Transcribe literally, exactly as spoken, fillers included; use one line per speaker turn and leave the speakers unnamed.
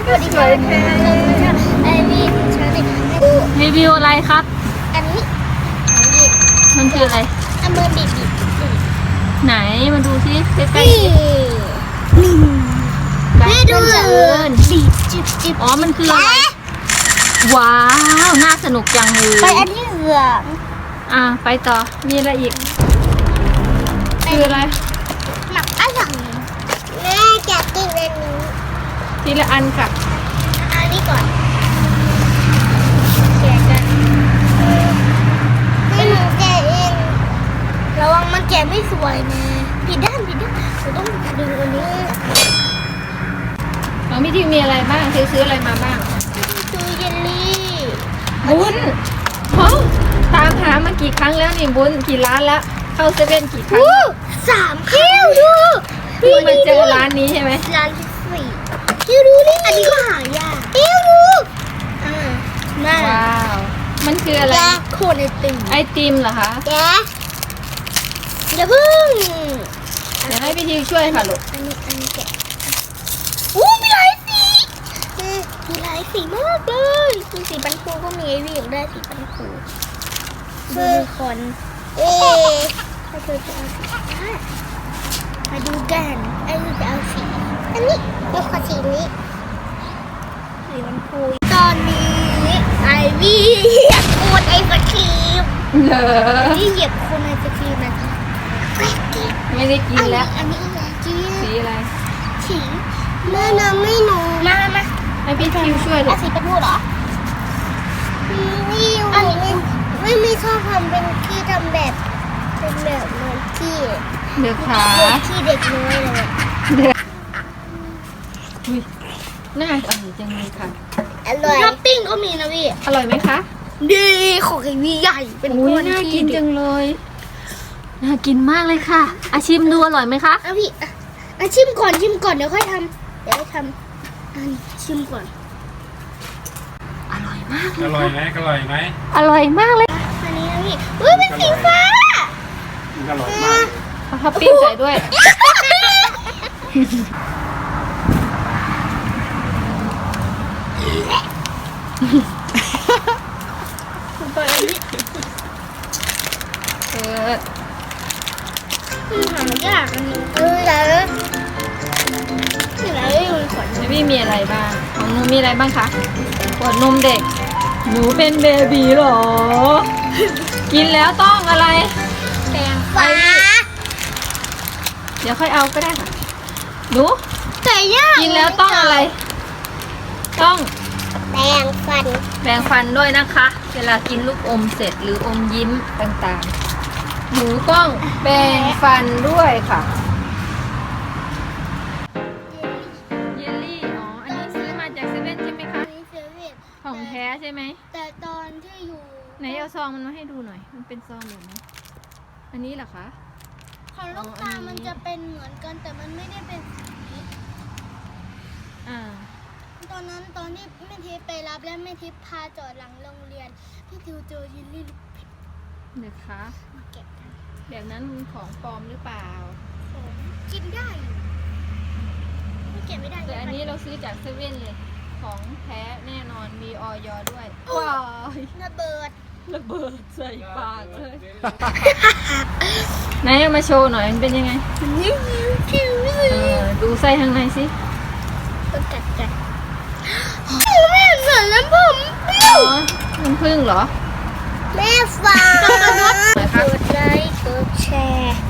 ก็สวยค่ะไอวี่ชาลี
รีวิวอะไรครับ
อันนี้
มันคืออะไร
อันเบอร์บีบี
ไหนมาดูซิใกล้
นี่
ๆแม่ดูเลย
บีบจิบจิบ
อ๋อมันคืออะไรว้าวน่าสนุกจังเลย
ไปอันที่เหลือง
อ่ะไปต่อมีอะไรอีกคืออะไร
หนักอะไรแม่จะกินอันนี้
ทีละอันค่ะ
อันนี้ก่อนแกะกันให้หนูแกะเองระวังมันแกะไม่สวยนะผิดด้านผิดด้านเราต้องดึงอันนี้
น้องพี่ทิวมีอะไรบ้างซื้อซื้ออะไรมาบ้าง
ซื้อเยลลี่
บุญฮะตามหามากี่ครั้งแล้วนี่บุญกี่ร้านแล้วเข้าเซเว่นกี่ครั้ง
อู้สามคิวดู
เพิ่งมาเจอร้านนี้ใช่ไหม
ร้านที่สี่คิวดูนี่อันนี้ก็หายากคิวดูอ่าน่า
ว้าวมันคืออะไร
แกะโคนไอติม
ไอติมเหรอคะ
แกะอย่าเพิ่ง
เดี๋ยวให้พี่ทิวช่วยค่ะลูก
อันนี้อันนี้แกะอู้มีหลายสีเออมีหลายสีมากเลยมีสีปันคูก็มีไอวี่อยากได้สีปันคูดูมีคนเอ๊ะถ้าเธอจะเอาสีอะไรมาดูกันไอวี่จะเอาสีอันนี้เดี๋ยวขอสีนี้สีปันคูตอนนี้ไอวี่เหยียบโคนไอศครีม
เหรอ
ที่เหยียบโคนไอศครีมนะไม่กิน
ไม่ได้กินแล้ว
อันนี้อะไรกิน
สีอะไร
สีแม่น้ำไม่หนูมามา
ให้พี่ทิวช่วยลู
เอา
ก
สีเป็นพูดเหรอนี่อันนี้ไม่ไม่ชอบทำเป็นที่ทำแบบเป็นแบบเหมือนที่
เดือขา
เหมือนที่เด็กน้อยเลย
เดืออุ้ยน่าอร่อยจังเลยค่ะ
อร่อยท็อปปิ้งก็มีนะพี่
อร่อยไหมคะ
ดีของไอ้วีใหญ่เป็น
อุ้ย
ก้อน
น่า
ที่
กินจังเลย น่ากินมากเลยค่ะอาชิมดูอร่อยไหมคะ
อ่ะพี่อ่ะอ่ะชิมก่อนชิมก่อนเดี๋ยวค่อยทำเดี๋ยวค่อยทำอันชิมก่อน
อร่อยมากเล
อย ร่อยไหมอร่อยไหม
อร่อยมากเลย
อันนี้นะพี่อุ้ยเป็นสีฟ้า
มันอร่อยมาก
เอาท็อปปิ้งใส่ด้วย เปิด
มันหายากอันนี้เออแล้วที่ไหนอยู่ในขวด
เบบี้มีอะไรบ้าง ของหนูมีอะไรบ้างคะขวดนมเด็ก หนูเป็นเบบีเหรอ กินแล้วต้องอะไร
แปรงฟ้า
เดี๋ยวค่อยเอาก็ได้ค่ะหนู
แต่ยาก
กินแล้วต้องอะไร ต้อง
แปรงฟัน
แปรงฟันด้วยนะคะ เวลากินลูกอมเสร็จหรืออมยิ้มต่างๆ หนูต้องแปรงฟันด้วยค่ะ เยลลี่ อ๋อ อันนี้ซื้อมาจากเซเว่นใช่ไหมคะ
มีเซเว่น
ของแท้ใช่ไหม
แต่ตอนที่อยู่
ไหนเอาซองมันมาให้ดูหน่อย มันเป็นซองแบบนี้อันนี้เหรอคะ
ของลูกตามันจะเป็นเหมือนกันแต่มันไม่ได้เป็นสี
อ่า
ตอนนั้นตอนที่แม่ทิพย์ไปรับและแม่ทิพย์พาจอดหลังโรงเรียนพี่ทิวเจอยินลี่ลูกเพชร
เดี๋ยวคะ
มาเก็บกัน
แบบนั้นมันของปลอมหรือเปล่า
ของกินได้อยู่ไม่เก็บไม่ได้
แต่อันนี้เราซื้อจากเซเว่นเลย ของแท้แน่นอน มีออยด้วย ว้าย
ระเบิด
ระเบิดใส่ปากเลย ไหนเอามาโชว์หน่อย มันเป็นยังไง
นิ้วนิ้วคิว
เออ ดูไส้ข้างในสิ
ต้องกัดกันแม่เหมือนน้ำผม
อ๋อ มันพึ่งเหรอ
แม่ฟังกดไลค์กดแชร์